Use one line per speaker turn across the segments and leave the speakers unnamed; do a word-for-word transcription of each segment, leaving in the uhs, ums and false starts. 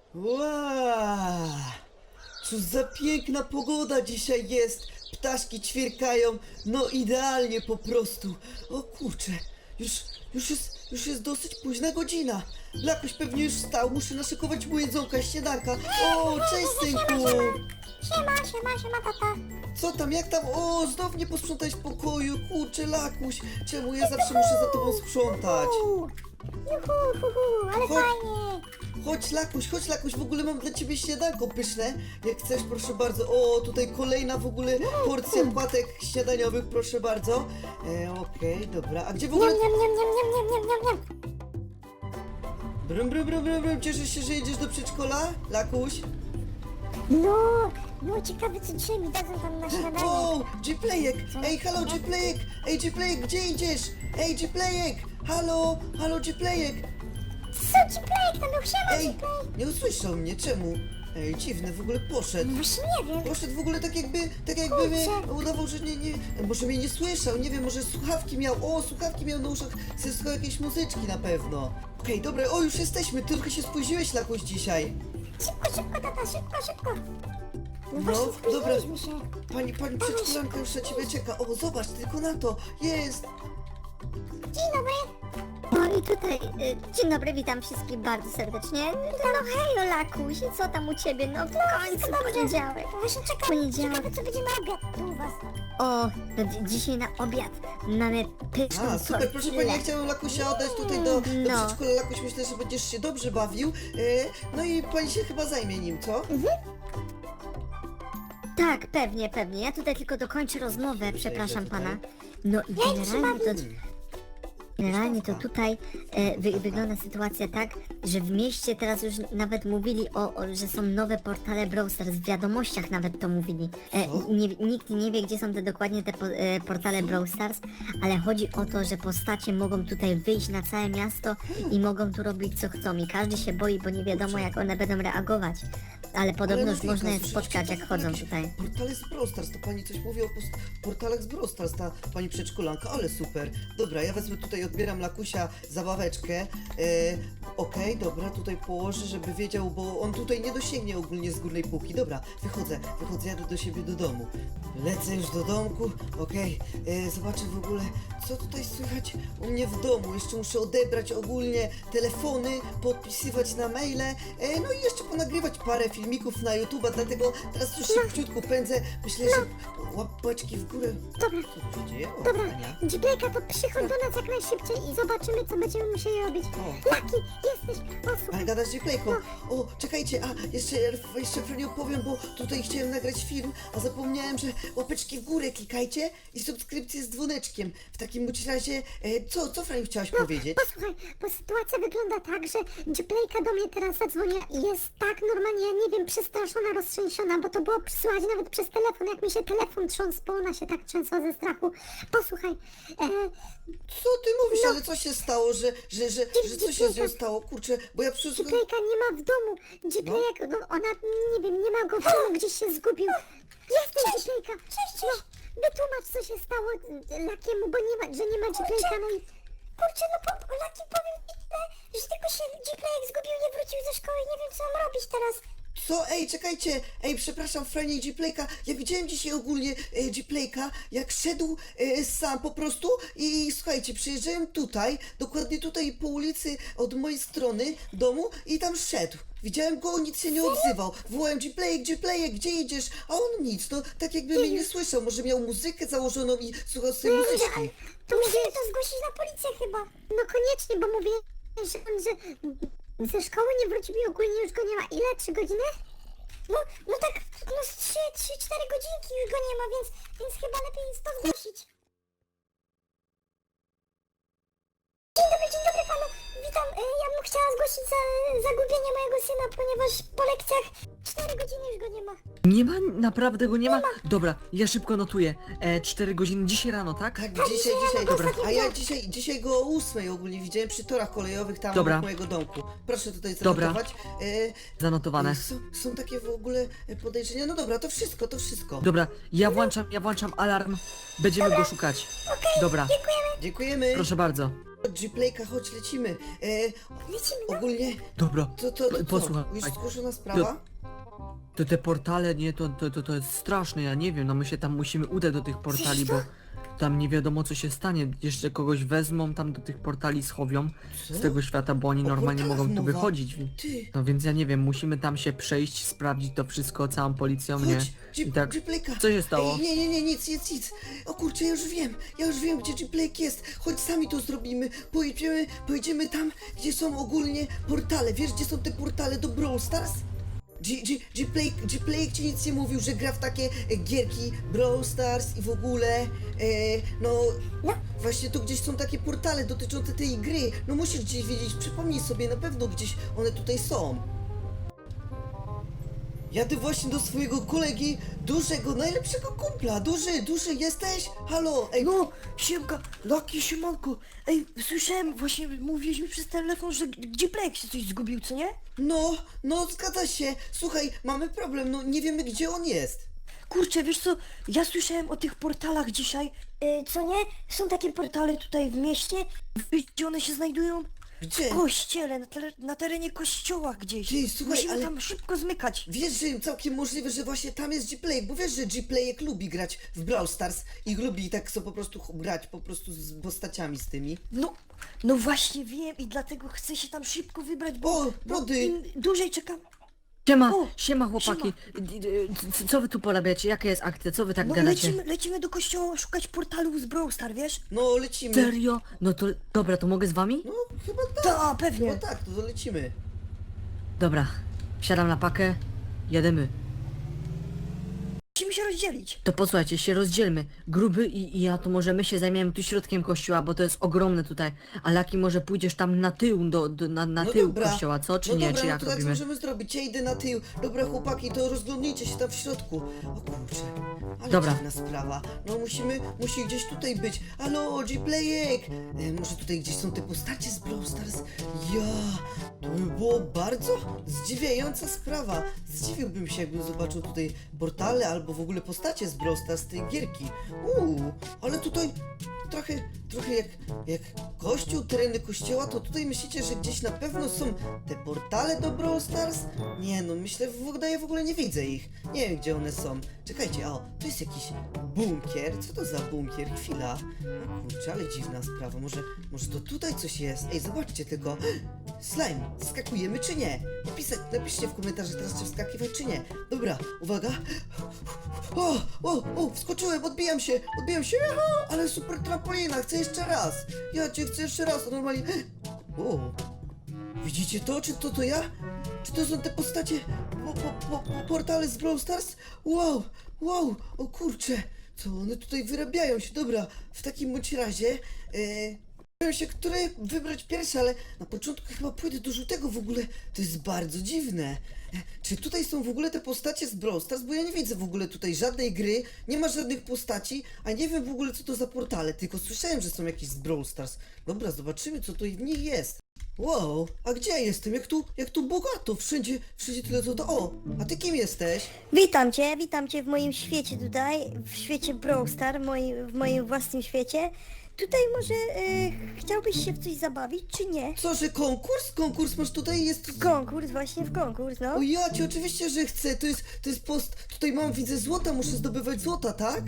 Wow! Co za piękna pogoda dzisiaj jest! Ptaszki ćwierkają, no idealnie po prostu. O kurczę, już, już jest, już jest dosyć późna godzina. Lakuś pewnie już wstał, muszę naszykować mu jedzonka, śniadanka. O, cześć synku!
Siema, siema, siema tata.
Co tam, jak tam? O, znów nie posprzątać pokoju, kurczę Lakuś. Czemu ja zawsze muszę za tobą sprzątać?
Uuu, Juhu, hu, hu, ale
Chodź.
fajnie.
Chodź Lakuś, chodź Lakuś, w ogóle mam dla ciebie śniadanko pyszne. Jak chcesz, proszę bardzo. O, tutaj kolejna w ogóle porcja płatek śniadaniowych, proszę bardzo. E, Okej, dobra. A gdzie w
Niam,
ogóle...
niam, niam, niam, niam, niam, niam, niam.
Brum, brum, brum, brum, brum. Cieszysz się, że jedziesz do przedszkola, Lakuś?
No, no ciekawe co dzisiaj mi dadzą tam na śniadanie.
O, G-Playek!
Co?
Ej, halo G-Playek! Ej, G-Playek, gdzie idziesz? Ej, G-Playek! Halo, halo G-Playek!
Co ci plejek tam był? Siema
Ej,
ci plejek.
nie usłyszał mnie, czemu? Ej, dziwny, w ogóle poszedł.
No właśnie nie wiem.
Poszedł w ogóle tak jakby, tak jakby mnie
Kurczę.
udawał, że nie, nie, może mnie nie słyszał, nie wiem, może słuchawki miał, o, słuchawki miał na uszach, sobie słuchał jakiejś muzyczki na pewno. Okej, dobra, o, już jesteśmy, trochę się spóźniłeś, Lakuś, dzisiaj.
Szybko, szybko tata, szybko, szybko. No
No,
właśnie
dobra.
spóźniliśmy się.
Pani, pani przedszkolanka już na ciebie czeka, o, zobacz, tylko na to, jest.
Dzień dobry.
No i tutaj, y, dzień dobry, witam wszystkich bardzo serdecznie. No hej, Lakuś, i co tam u ciebie? No w końcu
Wszystko dobrze.
poniedziałek.
Właśnie czekam,
Poniedziałek.
ciekawe co będzie na obiad tu u was.
O, to dzi- dzisiaj na obiad mamy pyszną
A, super, proszę pani, ja chciałem Lakusia oddać tutaj do, do
No.
przedszkola, Lakuś, myślę, że będziesz się dobrze bawił, e, no i pani się chyba zajmie nim, co?
Tak, pewnie, pewnie. Ja tutaj tylko dokończę rozmowę, przepraszam
tutaj.
pana. No i generalnie to... Generalnie to tutaj e, wy, wygląda sytuacja tak, że w mieście teraz już nawet mówili o, o że są nowe portale Brawl Stars, w wiadomościach nawet to mówili. E,
Co?
nie, nikt nie wie, gdzie są te dokładnie te po, e, portale Brawl Stars, ale chodzi o to, że postacie mogą tutaj wyjść na całe miasto i mogą tu robić co chcą i każdy się boi, bo nie wiadomo jak one będą reagować. Ale podobno
Ale
już
no
można je
Wika,
spotkać
słyszycie,
jak
to
chodzą
jakieś
tutaj.
Portale z Brawl Stars, to pani coś mówi o post- portalach z Brawl Stars, ta pani przedszkolanka, ale super. Dobra, ja wezmę tutaj, odbieram Lakusia zabaweczkę. E, Okej, dobra, tutaj położę, żeby wiedział, bo on tutaj nie dosięgnie ogólnie z górnej półki. Dobra, wychodzę, wychodzę, jadę do siebie do domu. Lecę już do domku, okej, e, zobaczę w ogóle, co tutaj słychać u mnie w domu. Jeszcze muszę odebrać ogólnie telefony, podpisywać na maile, e, no i jeszcze ponagrywać parę filmików na YouTube'a, dlatego teraz już szybciutko pędzę. Myślę, że łapeczki w górę.
Dobra.
Co tu się dzieje? O,
Dobra,
Ania.
Dziplejka, to przychodź do nas jak najszybciej i zobaczymy, co będziemy musieli robić.
O.
Laki, jesteś! O,
Ale
słuchaj,
gadasz z Gplayką. O, czekajcie, a jeszcze, jeszcze Franiu opowiem, bo tutaj chciałem nagrać film, a zapomniałem, że łapeczki w górę klikajcie i subskrypcję z dzwoneczkiem. W takim bądź razie, e, co, co Franiu chciałaś powiedzieć?
posłuchaj, bo sytuacja wygląda tak, że Dziplejka do mnie teraz zadzwoniła i jest tak normalnie, ja nie wiem, przestraszona, roztrzęsiona, bo to było słychać nawet przez telefon, jak mi się telefon trząsł, bo ona się tak trzęsła ze strachu. Posłuchaj, e,
Co ty mówisz, ale co się stało, że, że, że, że co się z nią stało? Kurczę, bo ja przez...
Dziplejka nie ma w domu. Dziplejek, no ona, nie wiem, nie ma go w domu, gdzieś się zgubił. Jestem Dziplejka. Cześć, cześć. No, wytłumacz, co się stało e, Lakiemu, bo nie ma, że nie ma Dziplejka, no i... Kurczę, no po, Laki, powiem ci tyle, że tylko się Dziplejek zgubił, nie wrócił ze szkoły, nie wiem, co mam robić teraz.
Co? Ej, czekajcie! Ej, przepraszam, Franie i Gplayka. Ja widziałem dzisiaj ogólnie e, Gplayka, jak szedł e, sam po prostu i słuchajcie, przyjeżdżałem tutaj, dokładnie tutaj po ulicy od mojej strony domu i tam szedł. Widziałem go, nic się nie odzywał. Wołałem Gplayek, Gplayek, gdzie idziesz? A on nic, no tak jakby mnie nie słyszał. Może miał muzykę założoną i słuchał sobie muzyczki.
To musimy to zgłosić na policję chyba. No koniecznie, bo mówię, że on, że ze szkoły nie wrócił i ogólnie już go nie ma. Ile? Trzy godziny? No, no tak, no z trzy, trzy, cztery godzinki już go nie ma, więc, więc chyba lepiej jest to zgłosić. Dzień dobry, dzień dobry panu. Witam. E, Ja bym chciała zgłosić za, zagubienie mojego syna, ponieważ po lekcjach cztery godziny już go nie ma.
Nie ma? Naprawdę go nie ma? Dobra, ja szybko notuję. E, cztery godziny dzisiaj rano, tak?
Tak, dzisiaj, dzisiaj.
Dobra.
A ja dzisiaj, dzisiaj go o ósmej ogólnie widziałem przy torach kolejowych tam
Dobra.
od mojego domku. Proszę tutaj
Dobra.
zanotować. E,
Zanotowane.
Są, są takie w ogóle podejrzenia. No dobra, to wszystko, to wszystko.
Dobra, ja włączam, ja włączam alarm. Będziemy go szukać. Dobra,
Dziękujemy.
proszę bardzo.
Chodź, G-Playka, chodź, lecimy. E,
Lecimy, no.
ogólnie,
Dobra,
to, to, to co?
posłuchaj.
Już zgłoszona sprawa?
To te portale, nie, to, to, to, to jest straszne, ja nie wiem, no my się tam musimy udać do tych portali, bo tam nie wiadomo co się stanie. Jeszcze kogoś wezmą, tam do tych portali schowią
Co?
z tego świata, bo oni
O
normalnie
portalach
mogą tu
mowa.
wychodzić.
Ty,
No więc ja nie wiem, musimy tam się przejść, sprawdzić to wszystko całą policją, nie?
chodź, G-
I tak,
G-Playka.
co się stało?
Ej, nie, nie, nie, nic, nic, nic. O kurczę, ja już wiem, ja już wiem, gdzie G-Playk jest. Chodź, sami to zrobimy. Pojedziemy, pojedziemy tam, gdzie są ogólnie portale. Wiesz, gdzie są te portale do Brawl Stars? G- G- G-Playk, G-Playk ci nic nie mówił, że gra w takie e, gierki Brawl Stars i w ogóle, e, no, właśnie tu gdzieś są takie portale dotyczące tej gry. No musisz gdzieś wiedzieć, przypomnij sobie, na pewno gdzieś one tutaj są. Jadę właśnie do swojego kolegi, dużego, najlepszego kumpla. Duży, duży, jesteś? Halo, ej,
No, siemka, Laki, siemanko. Ej, słyszałem, właśnie mówiłeś mi przez telefon, że gdzie Plek się coś zgubił, co nie?
no, no, zgadza się. Słuchaj, mamy problem, no nie wiemy gdzie on jest.
Kurczę, wiesz co, ja słyszałem o tych portalach dzisiaj.
Y, co nie? Są takie
Portale tutaj w mieście, wiesz, gdzie one się znajdują?
Gdzie?
W kościele, na, tele, na terenie kościoła gdzieś.
Ty, słuchaj,
Musimy
ale-
tam szybko zmykać.
Wiesz, że całkiem możliwe, że właśnie tam jest G-Play, bo wiesz, że G-Playek lubi grać w Brawl Stars i lubi tak so po prostu ch- grać po prostu z postaciami z tymi.
No, no właśnie wiem i dlatego chcę się tam szybko wybrać, bo,
O,
bo
młody.
im dłużej czekam.
Siema,
O,
siema chłopaki. C- Co wy tu porabiacie? Jaka jest akcja? Co wy tak
No
gadacie?
lecimy, lecimy do kościoła szukać portalów z Brawl Star, wiesz?
No, lecimy.
Serio? No to dobra, to mogę z wami?
No, chyba tak.
Ta, pewnie.
Chyba tak, to lecimy.
Dobra, wsiadam na pakę, jedziemy.
Musimy się rozdzielić.
To posłuchajcie, się rozdzielmy. Gruby i, i ja to może my się zajmiemy tu środkiem kościoła, bo to jest ogromne tutaj. A Laki może pójdziesz tam na tył, do, do, na, na
No
tył
dobra.
kościoła, co? Czy
no
nie?
dobra,
Czy
no
jak
to tak
robimy?
możemy zrobić. Ja idę na tył. Dobra, chłopaki, to rozglądnijcie się tam w środku. O kurczę, ale
Dobra.
dziwna sprawa. No musimy, musi gdzieś tutaj być. Halo, G-Playek! E, może tutaj gdzieś są te postacie z Brawl Stars? Ja, to by było bardzo zdziwiająca sprawa. Zdziwiłbym się, jakbym zobaczył tutaj portale albo w ogóle postacie z Brawl Stars z tej gierki. Uuu, ale tutaj trochę, trochę jak, jak kościół, tereny kościoła, to tutaj myślicie, że gdzieś na pewno są te portale do Brawl Stars? Nie no, myślę, w ogóle ja w ogóle nie widzę ich. Nie wiem, gdzie one są. Czekajcie, o, tu jest jakiś bunkier. Co to za bunkier? Chwila. O kurczę, ale dziwna sprawa. Może, może to tutaj coś jest? Ej, zobaczcie tylko. Slime, skakujemy czy nie? Napisać, napiszcie w komentarzach teraz, czy wskakiwać czy nie. Dobra, uwaga. O, o, o, wskoczyłem, odbijam się, odbijam się, aha, ale super trampolina, chcę jeszcze raz. Ja cię chcę jeszcze raz, a normalnie. O, widzicie to? Czy to to ja? Czy to są te postacie, po, po, po, po, portale z Brawl Stars? Wow, wow, o kurczę, co one tutaj wyrabiają się, dobra, w takim bądź razie, e, nie wiem się, które wybrać pierwsze, ale na początku chyba pójdę do żółtego w ogóle, to jest bardzo dziwne. E, Czy tutaj są w ogóle te postacie z Brawl Stars? Bo ja nie widzę w ogóle tutaj żadnej gry, nie ma żadnych postaci, a nie wiem w ogóle co to za portale, tylko słyszałem, że są jakieś z Brawl Stars. Dobra, zobaczymy co to w nich jest. Wow, a gdzie ja jestem? Jak tu, jak tu bogato, wszędzie, wszędzie tyle co to. O, a ty kim jesteś?
Witam cię, witam cię w moim świecie tutaj, w świecie Brawl Star, moi, w moim własnym świecie. Tutaj może y, chciałbyś się w coś zabawić, czy nie?
Co, że konkurs? Konkurs masz tutaj? Jest...
Konkurs, właśnie w konkurs, no.
O ja cię oczywiście, że chcę, to jest, to jest post, tutaj mam, widzę złota, muszę zdobywać złota, tak?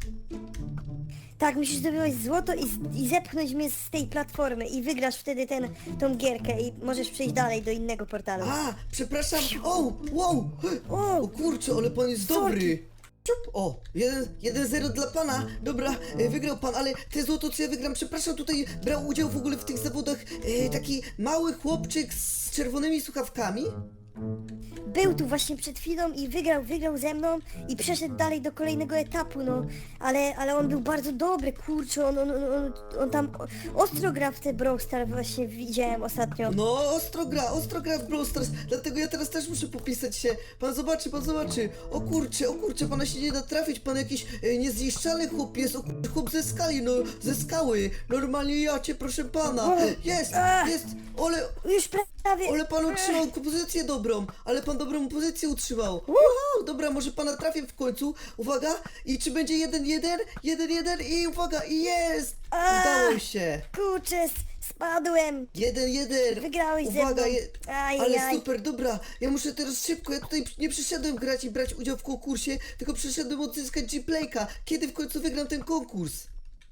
Tak, musisz zdobywać złoto i, z- i zepchnąć mnie z tej platformy i wygrasz wtedy ten, tą gierkę i możesz przejść dalej do innego portalu.
A, przepraszam, o, wow,
O,
o kurczę, ale pan jest dobry. Ciup. O, jeden, jeden zero dla pana, dobra, e, wygrał pan, ale te złoto co ja wygram, przepraszam, tutaj brał udział w ogóle w tych zawodach e, taki mały chłopczyk z czerwonymi słuchawkami.
był tu właśnie przed chwilą i wygrał, wygrał ze mną i przeszedł dalej do kolejnego etapu, no. Ale, ale on był bardzo dobry, kurczę, on, on, on, on, on tam ostro gra w te Brawl Star, właśnie widziałem ostatnio.
No, ostro gra, ostro gra w Brawl Stars, dlatego ja teraz też muszę popisać się. Pan zobaczy, pan zobaczy. O kurczę, o kurczę, pana się nie da trafić, pan jakiś e, niezniszczalny chłop jest, o kurczę, chłop ze skali, no, ze skały. Normalnie ja cię, proszę pana. Jest, jest, ale,
Już prawie...
ale pan otrzymał kompozycję dobrą. dobrą, ale pan dobrą pozycję utrzymał. Wow, dobra, może pana trafię w końcu. Uwaga, i czy będzie jeden jeden? jeden jeden i uwaga, i jest!
A!
Udało się.
Kurczę, s- spadłem.
jeden jeden.
Wygrałeś ze
Uwaga,
mną.
je...
Aj,
ale
aj.
super, dobra. Ja muszę teraz szybko, ja tutaj nie przyszedłem grać i brać udział w konkursie, tylko przyszedłem odzyskać G-Playka. Kiedy w końcu wygram ten konkurs?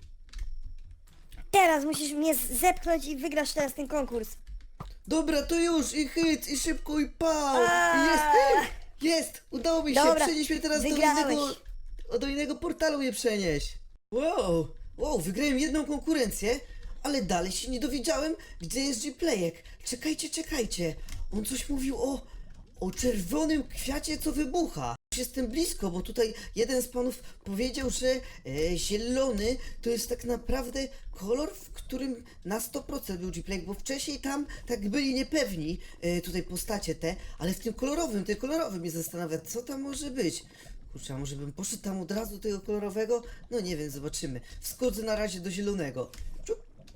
Teraz musisz mnie z- zepchnąć i wygrasz teraz ten konkurs.
Dobra, to już, i hyc, i szybko, i pał! I
A!
jest! Jest! Udało mi się!
Dobra,
Przenieś mnie teraz do
wygrałeś.
innego, do innego portalu mnie przenieść! Wow! Wow, wygrałem jedną konkurencję, ale dalej się nie dowiedziałem, gdzie jest G-Playek. Czekajcie, czekajcie! On coś mówił o... o czerwonym kwiacie, co wybucha. Już jestem blisko, bo tutaj jeden z panów powiedział, że e, zielony to jest tak naprawdę kolor, w którym na sto procent był G-Playek, bo wcześniej tam tak byli niepewni, e, tutaj postacie te, ale w tym kolorowym, tym kolorowym mnie zastanawia, co tam może być. Kurczę, a może bym poszedł tam od razu do tego kolorowego? No nie wiem, zobaczymy. Wskodzę na razie do zielonego. Czup.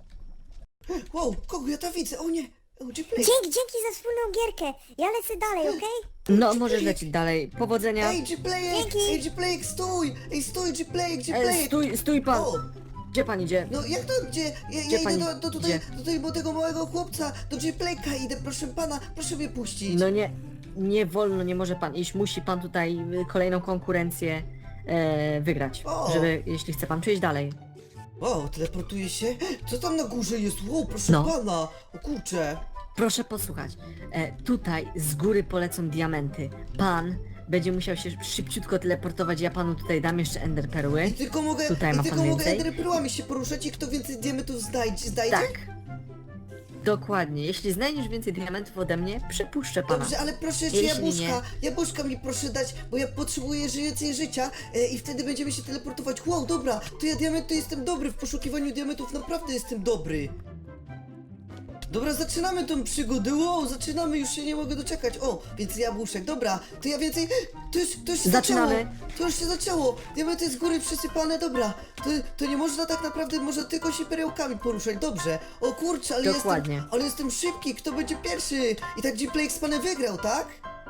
Wow, kogo ja tam widzę? O nie! O, G-Playek!
Dzięki, dzięki za wspólną gierkę. Ja lecę dalej, okej?
No, możesz lecieć dalej. Powodzenia.
Ej, G-Playek!
Dzięki.
Ej, G-Playek, stój! Ej, stój, G-Playek,
E,
G-Playek!
stój, stój pan.
O!
Gdzie pan idzie?
No jak to gdzie? Ja,
Gdzie
ja idę
pani
do, do, tutaj,
idzie?
do, tutaj, do tego małego chłopca, do G-Playka idę, proszę pana, proszę mnie puścić.
No nie, nie wolno, nie może pan iść. Musi pan tutaj y, kolejną konkurencję e, wygrać.
O.
Żeby, jeśli chce pan przejść dalej.
Wow, teleportuje się? Co tam na górze jest? Wow, proszę
No.
pana! O kurczę!
Proszę posłuchać. E, tutaj z góry polecą diamenty. Pan będzie musiał się szybciutko teleportować. Ja panu tutaj dam jeszcze ender perły.
I tylko mogę,
Tutaj
i
ma
tylko
pan
mogę
więcej?
enderpearlami się poruszać i kto więcej diamentów znajdzie, znajdzie?
Tak. Dokładnie. Jeśli znajdziesz więcej diamentów ode mnie, przepuszczę pana.
Dobrze, ale proszę jeszcze
Jeśli
jabłuszka, jabłuszka mi proszę dać, bo ja potrzebuję więcej życia e, i wtedy będziemy się teleportować. Wow, dobra, to ja diamenty jestem dobry, w poszukiwaniu diamentów naprawdę jestem dobry. Dobra, zaczynamy tą przygodę, wow, zaczynamy, już się nie mogę doczekać. O, więcej jabłuszek, dobra, to ja więcej, to już, to już się
Zaczynamy.
zaczęło, to już się zaczęło, diamenty z góry przysypane, dobra, to, to nie można tak naprawdę, można tylko się perełkami poruszać, dobrze. O kurczę, ale
Dokładnie.
jestem, ale jestem szybki, kto będzie pierwszy? I tak G-Playek z panem wygrał, tak?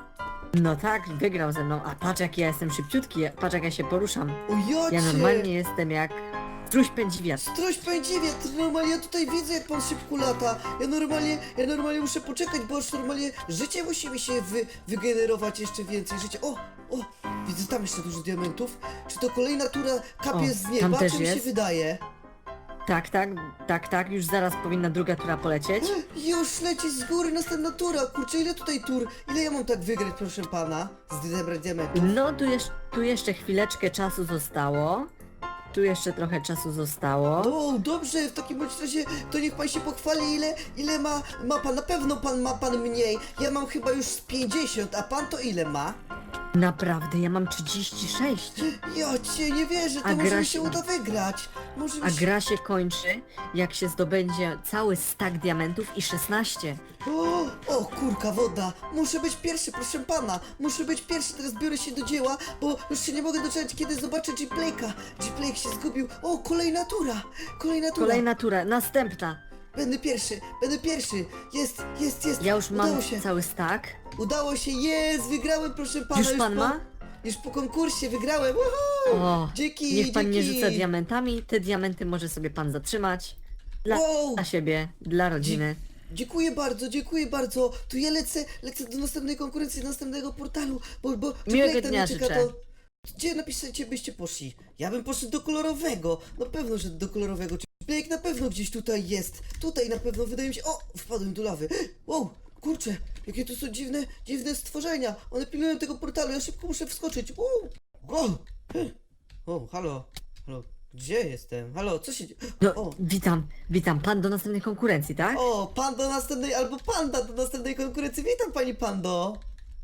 No tak, wygrał ze mną. A patrz jak ja jestem szybciutki, patrz jak ja się poruszam.
O jacie!
Ja normalnie jestem jak struś pędzi wiatr.
Stroś pędziwie, to normalnie ja tutaj widzę jak pan szybko lata. Ja normalnie, ja normalnie muszę poczekać, bo aż normalnie życie musi mi się wy, wygenerować jeszcze więcej życia. O, o, widzę tam jeszcze dużo diamentów. Czy to kolejna tura kapie
O,
z
tam
nieba,
też
czy mi się
jest.
wydaje?
Tak, tak, tak, tak, już zaraz powinna druga tura polecieć.
Już leci z góry następna tura. Kurczę, ile tutaj tur? Ile ja mam tak wygrać, proszę pana? Z zebrać diamentów?
No, tu, jeszcze tu jeszcze chwileczkę czasu zostało. Tu jeszcze trochę czasu zostało.
O, dobrze, w takim bądź razie to niech pan się pochwali, ile, ile ma, ma pan. Na pewno pan ma pan mniej. Ja mam chyba już z pięćdziesiąt, a pan to ile ma?
Naprawdę, ja mam trzydzieści sześć.
Ja cię nie wierzę, to
A
może
gra
mi
się-
się uda wygrać. Może
A
mi się...
gra się kończy, jak się zdobędzie cały stack diamentów i szesnaście.
O, o, kurka woda. Muszę być pierwszy, proszę pana. Muszę być pierwszy, teraz biorę się do dzieła, bo już się nie mogę doczekać, kiedy zobaczę G-Playka. G-Playk się zgubił. O, kolejna tura. Kolejna tura.
Kolejna tura, następna.
Będę pierwszy, będę pierwszy. Jest, jest, jest.
Ja już
Udało
mam
się.
cały stack.
Udało się, jest, wygrałem, proszę pana.
Już pan
po,
ma?
Już po konkursie wygrałem. Woohoo!
O,
Dzięki,
niech pan nie
dzięki.
rzuca diamentami, te diamenty może sobie pan zatrzymać. Dla,
Wow.
dla siebie, dla rodziny.
Dziękuję bardzo, dziękuję bardzo. To ja lecę, lecę do następnej konkurencji, do następnego portalu, bo, bo
Miłego
G-Playk tam
dnia
nie czeka,
życzę.
to... Gdzie napiszecie byście poszli? Ja bym poszedł do kolorowego. Na pewno, że do kolorowego. G-Playk na pewno gdzieś tutaj jest. Tutaj na pewno wydaje mi się... O! Wpadłem do lawy. Wow! Kurczę! Jakie to są dziwne, dziwne stworzenia. One pilnują tego portalu. Ja szybko muszę wskoczyć. Wow! Wow! O, halo! Halo! Gdzie jestem? Halo, co się dzieje?
No,
O!
witam, witam, pan do następnej konkurencji, tak?
O, pan do następnej, albo panda do następnej konkurencji. Witam pani pando.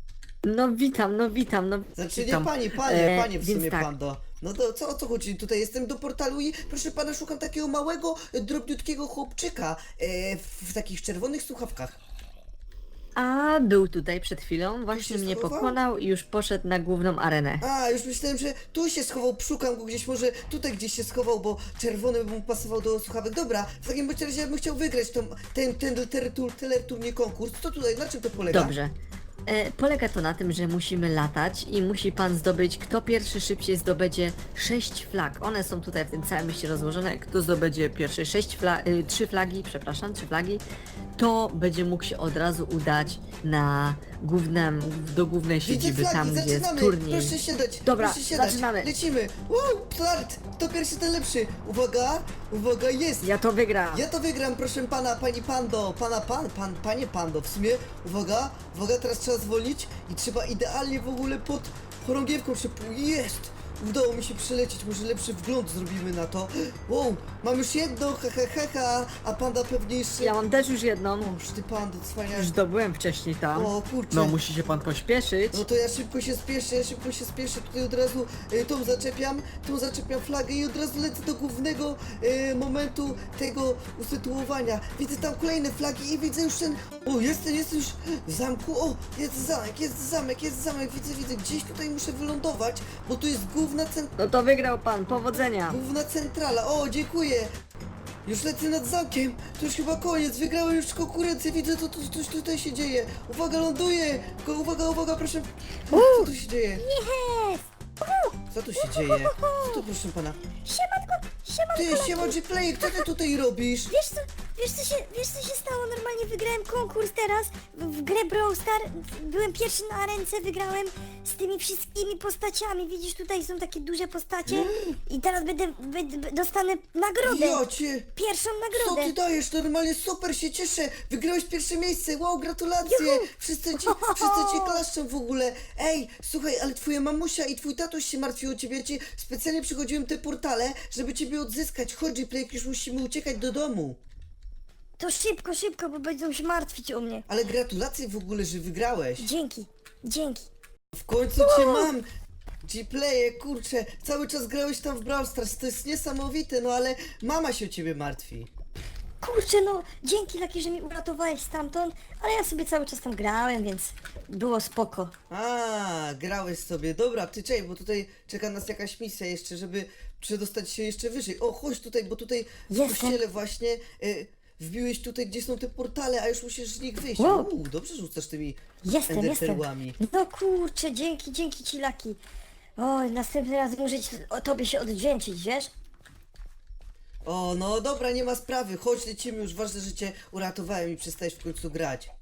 No witam, no witam, no
Znaczy nie
witam.
pani, panie,
E,
panie w
więc
sumie
tak.
pando. No to co o co chodzi? Tutaj jestem do portalu i proszę pana szukam takiego małego, e, drobniutkiego chłopczyka e, w, w takich czerwonych słuchawkach.
A był tutaj przed chwilą, właśnie
się
mnie
schował?
pokonał i już poszedł na główną arenę.
A, już myślałem, że tu się schował, szukam go gdzieś, może tutaj gdzieś się schował, bo czerwony by mu pasował do słuchawek. Dobra, w takim bądź razie ja bym chciał wygrać tą, ten, ten teletur, teleturniej konkurs. Co tutaj, na czym to polega?
Dobrze.
E, polega to na tym, że musimy latać i musi pan zdobyć, kto pierwszy szybciej zdobędzie sześć flag. One są tutaj w tym całym mieście rozłożone. Kto zdobędzie pierwsze sześć fla y, trzy flagi, przepraszam, trzy flagi, to będzie mógł się od razu udać na główną, do głównej
Widzę
siedziby,
flagi,
tam gdzie jest
zaczynamy.
turniej.
Proszę siadać,
Dobra,
proszę siadać.
zaczynamy.
Lecimy. Wow, start. Kto pierwszy, ten lepszy. Uwaga, uwaga, jest.
Ja to wygram.
Ja to wygram, proszę pana, pani Pando, pana pan, pan, panie Pando, w sumie, uwaga, uwaga, teraz trzeba zwolnić i trzeba idealnie w ogóle pod chorągiewką się, pu- jest! Udało mi się przelecieć, może lepszy wgląd zrobimy na to. Wow, mam już jedno, ha ha ha ha, a panda pewnie jeszcze...
Ja mam też już jedną.
O, ty pando, cwania.
Już zdobyłem wcześniej tam.
O kurczę.
No musi się pan pośpieszyć.
No to ja szybko się spieszę, ja szybko się spieszę, tutaj od razu y, tą zaczepiam, tą zaczepiam flagę i od razu lecę do głównego y, momentu tego usytuowania. Widzę tam kolejne flagi i widzę już ten... O, jestem, jestem już w zamku, o, jest zamek, jest zamek, jest zamek, widzę, widzę, gdzieś tutaj muszę wylądować, bo tu jest główna cent...
No to wygrał pan, powodzenia.
główna centrala, o, dziękuję. Już lecę nad zamkiem, to już chyba koniec, wygrałem już konkurencję, widzę co tu, coś tutaj się dzieje. Uwaga, ląduję, tylko uwaga, uwaga, proszę. Co tu się dzieje?
Jest!
Co tu się dzieje? Co tu, proszę pana?
Siemanko, siemanko,
Ty,
Laki.
siema G-Play, co ty tutaj robisz?
Wiesz co, wiesz co się, wiesz co się stało? Normalnie wygrałem konkurs teraz w, w grę Brawl Star. Byłem pierwszy na ręce, wygrałem z tymi wszystkimi postaciami. Widzisz, tutaj są takie duże postacie i teraz będę, będę dostanę nagrodę.
Ja cię...
Pierwszą
Co
nagrodę.
ty dajesz? Normalnie super, się cieszę. Wygrałeś pierwsze miejsce, wow, gratulacje.
Juhu.
Wszyscy ci, wszyscy ci klaszczą w ogóle. Ej, słuchaj, ale twoja mamusia i twój tatuś się martwił o ciebie. Ja ci specjalnie przychodziłem te portale, żeby ciebie odzyskać. Chodź, G-Play, już musimy uciekać do domu.
To szybko, szybko, bo będą się martwić o mnie.
Ale gratulacje w ogóle, że wygrałeś.
Dzięki, dzięki.
W końcu cię mam! G-Playe, kurczę, cały czas grałeś tam w Brawl Stars, to jest niesamowite, no ale mama się o ciebie martwi.
Kurczę, no dzięki Laki, że mi uratowałeś stamtąd, ale ja sobie cały czas tam grałem, więc było spoko.
A, grałeś sobie, dobra, ty czekaj, bo tutaj czeka nas jakaś misja jeszcze, żeby przedostać się jeszcze wyżej. O, chodź tutaj, bo tutaj w
Jestem.
kościele właśnie y, wbiłeś tutaj, gdzie są te portale, a już musisz z nich wyjść.
Wow.
Uuu, dobrze rzucasz tymi
Jestem, jestem.
enderperłami.
No kurczę, dzięki, dzięki ci Laki. Oj, następny raz muszę ci, o tobie się odwdzięczyć, wiesz?
O, no dobra, nie ma sprawy, chodź, lecimy już, ważne, że cię uratowałem i przestajesz w końcu grać.